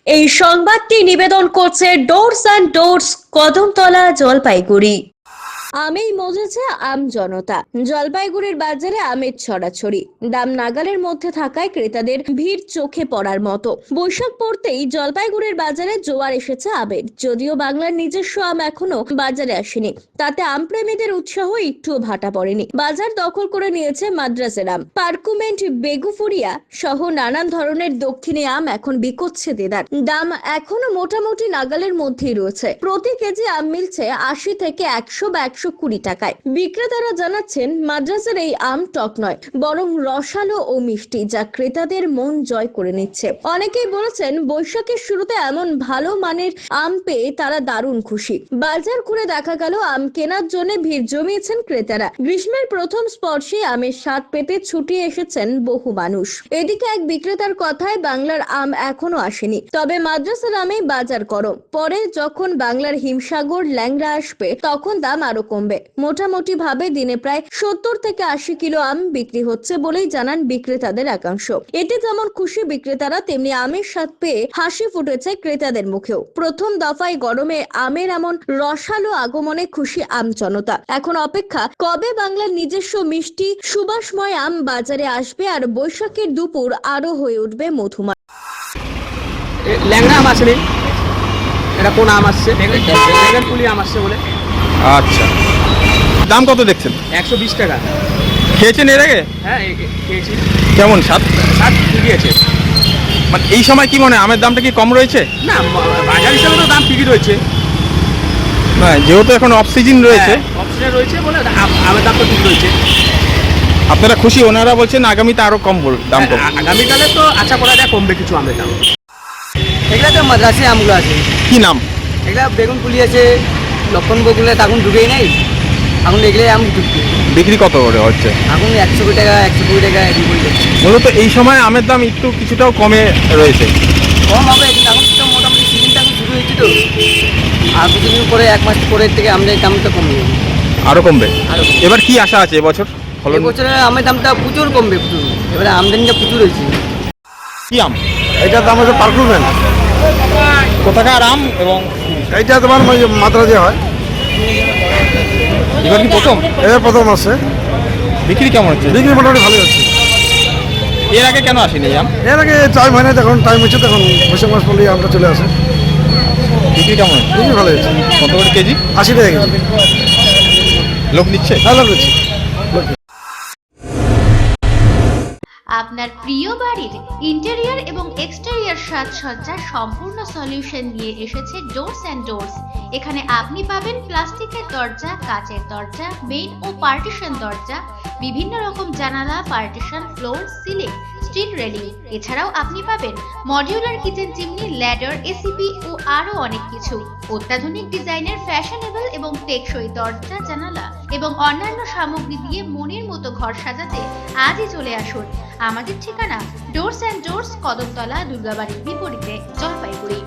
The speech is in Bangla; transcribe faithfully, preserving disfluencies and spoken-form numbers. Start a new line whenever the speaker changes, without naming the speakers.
এই সংবাদটি নিবেদন করছে ডোরস অ্যান্ড ডোরস, কদমতলা, জলপাইগুড়ি। আমেই মজেছে আম জনতা। জলপাইগুড়ির বাজারে আমের ছড়াছড়ি, দাম নাগালের মধ্যে থাকায় ক্রেতাদের ভিড় চোখে পড়ার মতো। বৈশাখ পড়তেই জলপাইগুড়ির বাজারে জোয়ার এসেছে আমের। যদিও বাংলার নিজস্ব আম এখনো বাজারে আসেনি, তাতে আম প্রেমীদের উৎসাহ একটুও ভাটা পড়েনি। বাজার দখল করে নিয়েছে মাদ্রাজের আম, পার্কুমেন্ট, বেগুফুরিয়া সহ নানান ধরনের দক্ষিণী আম এখন বিকোচ্ছে দেদার। দাম এখনো মোটামুটি নাগালের মধ্যেই রয়েছে। প্রতি কেজি আম মিলছে আশি থেকে একশো বা একশো কুড়ি টাকায়। বিক্রেতারা জানাচ্ছেন মাদ্রাজের এই আম টক নয়, বরং রসালো ও মিষ্টি, যা ক্রেতাদের মন জয় করে নিচ্ছে। অনেকেই বলেছেন বৈশাখের শুরুতে এমন ভালো মানের আম পেয়ে তারা দারুণ খুশি। বাজার ঘুরে দেখা গেল আম কেনার জন্য ভিড় জমিয়েছেন ক্রেতারা। গ্রীষ্মের প্রথম স্পর্শে আমের স্বাদ পেতে ছুটে এসেছেন বহু মানুষ। এদিকে এক বিক্রেতার কথায় বাংলার আম এখনো আসেনি, তবে মাদ্রাসার আমেই বাজার গরম। পরে যখন বাংলার হিমসাগর, ল্যাংড়া আসবে তখন দাম আরো কমবে। মোটামুটি ভাবে দিনে প্রায় সত্তর থেকে আশি কিলো আম বিক্রি হচ্ছে বলেই জানান বিক্রেতাদের একাংশ। এতে যেমন খুশি বিক্রেতারা, তেমনি আমের স্বাদ পেয়ে হাসি ফুটেছে ক্রেতাদের মুখেও। প্রথম দফায় গরমে আমের এমন রসালো আগমনে খুশি আম জনতা। এখন অপেক্ষা কবে বাংলার নিজস্ব মিষ্টি সুবাসময় আম বাজারে আসবে আর বৈশাখের দুপুর আরো হয়ে উঠবে মধুময়।
ল্যাংড়া আম আসেনি, এটা কোন আম আসছে? বেগুন পুলি আম আসছে বলে।
আচ্ছা, দাম কত দেখছেন?
একশো বিশ টাকা।
খেয়েছেন এর আগে?
হ্যাঁ, এ- এ- খেয়েছি।
কেমন স্বাদ?
স্বাদ ঠিকই আছে।
মানে এই সময় কি মনে হয় আমের দামটা কি কম রয়েছে?
না, ম- বাজার হিসাবে তো দাম ঠিকই রয়েছে।
না, যেহেতু এখন অফ সিজন রয়েছে,
অপশনে রয়েছে বলে আম- আমের দাম তো ঠিক রয়েছে।
আপনারা খুশি? ওনারা বলছেন আগামীতে আরো কম বল- দাম কম।
আ- আগামীকালে তো আশা করা যায় কমবে কিছু আমের দাম। এগুলা তো মাদ্রাসি আমগুলো আছে।
কি নাম?
এগুলা বেগুন পুলি আছে, লক্ষণ বগুলো এখন ঢুকেই নেই। এখন এগুলো আম ঢুকছে।
বিক্রি কত করে হচ্ছে?
এখন একশো কুড়ি টাকা, একশো কুড়ি টাকা এরকম করে যাচ্ছে।
মূলত এই সময় আমের দাম একটু কিছুটাও কমে রয়েছে।
কম হবে, কিন্তু এখন তো মোটামুটি সিজনটা এখন শুরু হয়েছে তো। আর কিছুদিন পরে, এক মাস পরের থেকে আমাদের দামটা কমে যাবে।
আরো কমবে।
আরো কমবে।
এবার কি আশা আছে এবছর ফলন?
এবছরে আমের দামটা প্রচুর কমবে, প্রচুর। এবারে আমদানিটা প্রচুর হয়েছে।
কি আম?
এইটার দাম হচ্ছে পার্কুমেন্ট।
কোথাকার আম এবং
এইটা তোমার ওই মাদ্রাজে হয়।
এবার কি প্রথম?
এবার প্রথম আসছে।
বিক্রি কেমন হচ্ছে?
বিক্রি মোটামুটি ভালোই হচ্ছে।
এর আগে কেন আসেনি এই আম?
এর আগে টাইম হয় না, যখন টাইম হচ্ছে তখন বৈশাখ মাস পড়লেই আমরা চলে আসে।
বিক্রি কেমন হচ্ছে?
বিক্রি ভালো হচ্ছে।
কত করে কেজি?
আশি টাকা কেজি।
লোক নিচ্ছে?
ভালো হচ্ছে।
আপনার প্রিয় বাড়ির ইন্টেরিয়র এবং এক্সটেরিয়র সাজসজ্জার সম্পূর্ণ সলিউশন নিয়ে এসেছে ডোরস অ্যান্ড ডোরস। এখানে আপনি পাবেন প্লাস্টিকের দরজা, কাচের দরজা, মেইন ও পার্টিশন দরজা, বিভিন্ন রকম জানালা, partition, floor, ceiling, steel railing. এছাড়াও আপনি পাবেন modular kitchen chimney, ladder, ACP ও আরো অনেক কিছু। অত্যাধুনিক ডিজাইনের ফ্যাশনেবল এবং টেকসই দরজা, জানালা এবং অন্যান্য সামগ্রী দিয়ে মনের মতো ঘর সাজাতে আজই চলে আসুন। আমাদের ঠিকানা ডোরস অ্যান্ড ডোরস, কদমতলা, দুর্গাবাড়ির বিপরীতে, জলপাইগুড়ি।